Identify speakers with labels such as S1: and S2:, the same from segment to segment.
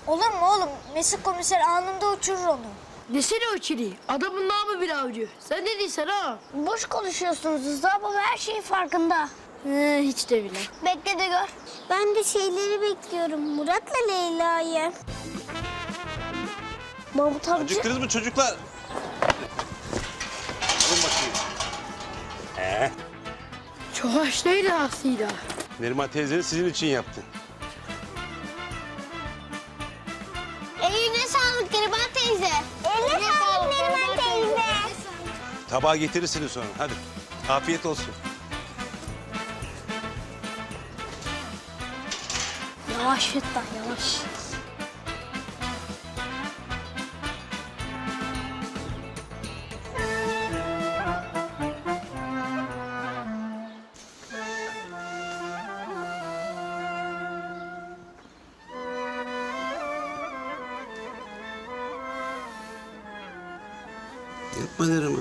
S1: Olur mu oğlum? Mesut komiser anında uçurur onu.
S2: Desene o çeliği. Adamın namı bir avcı. Sen ne diyorsun ha?
S1: Boş konuşuyorsunuz Rıza baba, her şeyin farkında.
S2: Hiç de bile.
S1: Bekle de gör.
S3: Ben de şeyleri bekliyorum. Murat'la Leyla'yı.
S1: Mahmut amca.
S4: Acıktınız mı çocuklar? Alın bakayım.
S2: Çok haşlıydı aslında.
S4: Neriman teyzeniz sizin için yaptı.
S3: Eline sağlık Neriman teyze. Eline sağlık Neriman teyze.
S4: Tabağı getirirsiniz sonra. Hadi. Afiyet olsun.
S1: Yavaş Fettah yavaş.
S4: Yapma Neriman.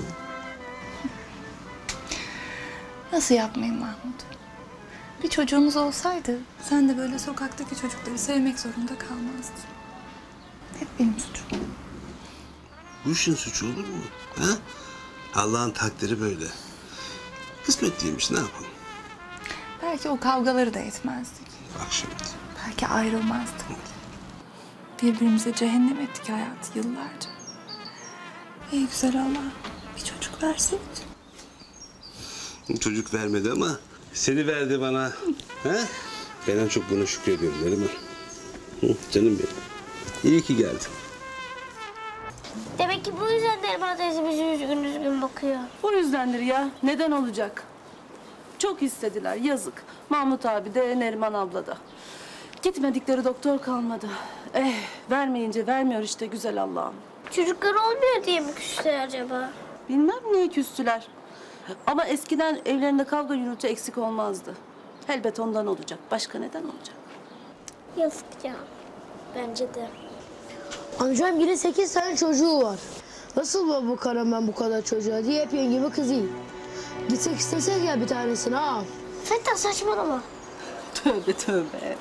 S5: Nasıl yapmayayım Mahmut? Bir çocuğumuz olsaydı sen de böyle sokaktaki çocukları sevmek zorunda kalmazdın. Hep benim suçum.
S4: Bu işin suçu olur mu? Ha? Allah'ın takdiri böyle. Kısmetliymiş, ne yapalım?
S5: Belki o kavgaları da etmezdik.
S4: Bak şimdi.
S5: Belki ayrılmazdık. Birbirimize cehennem ettik hayatı yıllarca. Ey güzel Allah, bir çocuk verseydi.
S4: Çocuk vermedi ama seni verdi bana. Ha? Ben en çok buna şükrediyorum Neriman. Canım benim. İyi ki geldin.
S3: Demek ki bu yüzden Neriman teyze bizi üzgün üzgün bakıyor.
S6: O yüzdendir ya. Neden olacak? Çok istediler. Yazık. Mahmut abi de Neriman abla da. Gitmedikleri doktor kalmadı. Vermeyince vermiyor işte güzel Allah'ım.
S3: Çocuklar olmuyor diye mi küstüler acaba?
S6: Bilmem niye küstüler. Ama eskiden evlerinde kavga gürültü eksik olmazdı. Elbet ondan olacak. Başka neden olacak?
S3: Yazık ya. Bence de.
S2: Amcam yine 8 tane çocuğu var. Nasıl bu karım ben bu kadar çocuğa diye hep yengeme kızayım. Gitsek istesek ya bir tanesini ha.
S3: Fettah saçmalama.
S6: Tövbe tövbe.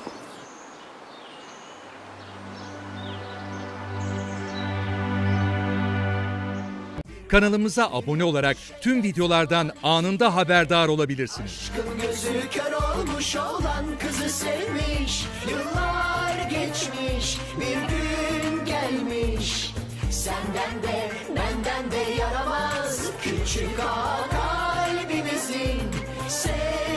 S7: Kanalımıza abone olarak tüm videolardan anında haberdar olabilirsiniz.
S8: Gözü kör olmuş olan kızı sevmiş. Yıllar geçmiş, bir gün gelmiş. Senden de benden de yaramaz küçük ağa kalbimizin.